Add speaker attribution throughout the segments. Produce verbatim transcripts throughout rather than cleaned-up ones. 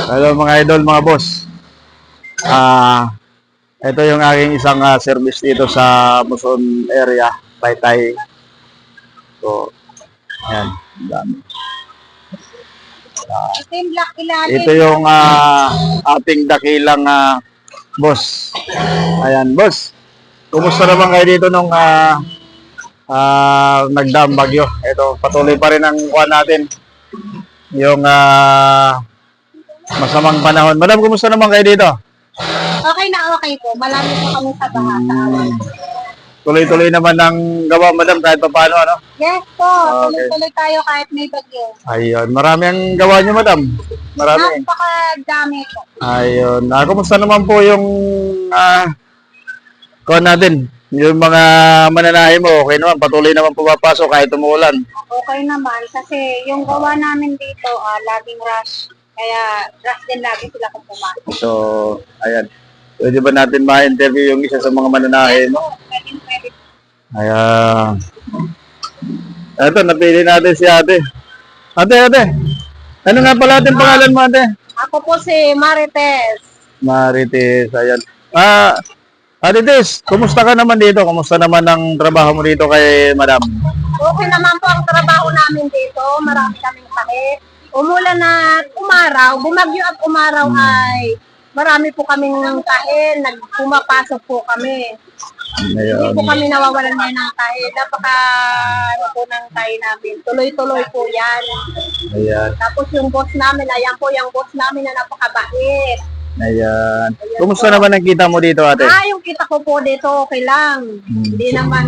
Speaker 1: Hello mga idol, mga boss. Ah, ito yung aking isang uh, service dito sa Muson area, Taytay. So, ayan, dami. Uh, ito yung uh, ating dakilang uh, boss. Ayan, boss. Kumusta naman kayo dito nung uh, uh, nagdaang bagyo? Ito, patuloy pa rin ang kuha natin. Yung uh, masamang panahon. Madam, kumusta naman kayo dito?
Speaker 2: Okay na okay po. Malami po kami sa baha.
Speaker 1: Hmm. Tuloy-tuloy naman ang gawa, madam, kahit pa paano, ano?
Speaker 2: Yes po.
Speaker 1: Okay.
Speaker 2: Tuloy-tuloy tayo kahit may bagyo.
Speaker 1: Ayun. Marami ang gawa nyo, madam. Marami.
Speaker 2: Napakadami po.
Speaker 1: Ayun. Ah, kumusta naman po yung ah, kuha natin? Yung mga mananahe mo, okay naman. Patuloy naman pumapasok kahit umuulan.
Speaker 2: Okay naman. Kasi yung gawa namin dito, ah, laging rush. Kaya rush din lagi sila kung pumasok.
Speaker 1: So, ayan. Pwede ba natin ma-interview yung isa sa mga mananahe mo?
Speaker 2: Pwede, pwede.
Speaker 1: Ayan. Ito, napili natin si ate. Ate, ate. Ano nga pala ating pangalan mo, ate?
Speaker 2: Ako po si Marites.
Speaker 1: Marites, ayan. Ah, Ate Tess, kumusta ka naman dito? Kumusta naman ang trabaho mo dito kay madam?
Speaker 2: Okay naman po ang trabaho namin dito. Marami kaming sakit. Umulan at umaraw, bumagyo at umaraw
Speaker 1: Hmm.
Speaker 2: ay marami po kaming kain, nagpumapasok po kami. Hindi
Speaker 1: Ayun.
Speaker 2: po kami nawawalan ngayon ng kain. Napaka ano po ng kain namin. Tuloy-tuloy po yan.
Speaker 1: Ayan.
Speaker 2: Tapos yung boss namin, ayan po yung boss namin na napakabait.
Speaker 1: Ayan. Kumusta naman ang kita mo dito, ate?
Speaker 2: Ah, yung kita ko po dito, okay lang.
Speaker 1: Hmm.
Speaker 2: Hindi naman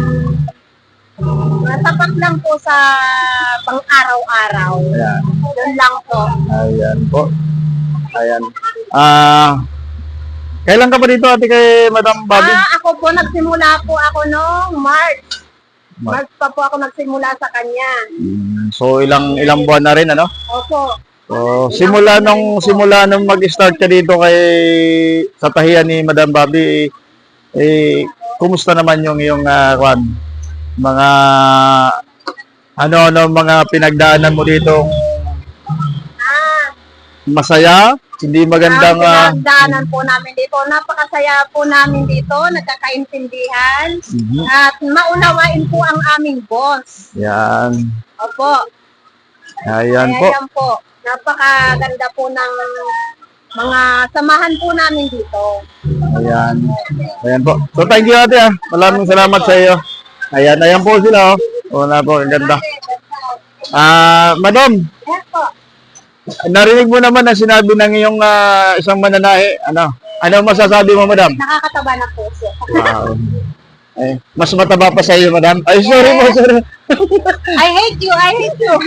Speaker 2: tapat lang po sa pang araw-araw.
Speaker 1: Ayan.
Speaker 2: Yun lang po.
Speaker 1: Ayan po. Ayan. Ah, kailan ka pa dito, ate, kay Madam Bobby?
Speaker 2: Ah, ako po, nagsimula po ako noong March.
Speaker 1: Mar-
Speaker 2: March pa po ako nagsimula sa kanya.
Speaker 1: Hmm, So, ilang ilang buwan na rin, ano?
Speaker 2: Opo.
Speaker 1: So, simula nung simula nung mag-start ka dito kay sa tahiyan ni Madam Bobby, eh, eh kumusta naman yung yung uh, mga ano-ano mga pinagdaanan mo dito?
Speaker 2: Ah,
Speaker 1: Masaya? Hindi magandang ah,
Speaker 2: ang pinagdaanan po namin dito. Napakasaya po namin dito. Nagkakaintindihan.
Speaker 1: mhm.
Speaker 2: At maunawain po ang aming boss.
Speaker 1: Yan.
Speaker 2: Opo.
Speaker 1: Ayan
Speaker 2: Kaya
Speaker 1: po.
Speaker 2: yan po. Napakaganda po ng mga samahan po namin dito.
Speaker 1: Ayan. Ayan po. So thank you, ate, ah. Maraming salamat sa iyo. Ayan, ayan po sila, oh. Wala po, ang ganda. Ah, madam,
Speaker 2: Yes po.
Speaker 1: narinig mo naman na sinabi ng iyong ah, isang mananahe. Ano? Ano masasabi mo, madam?
Speaker 2: Nakakataba na po siya.
Speaker 1: Wow. Eh, mas mataba pa sa iyo, madam. Ay, sorry po, sorry.
Speaker 2: I hate you, I hate you.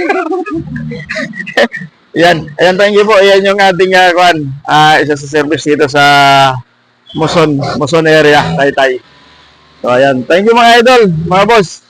Speaker 1: Yan, ayan, thank you po. Ayan yung ating uh, kwan, ah, isa sa service dito sa Muson, Muson area, Taytay. So, ayan. Thank you mga idol, mga boss.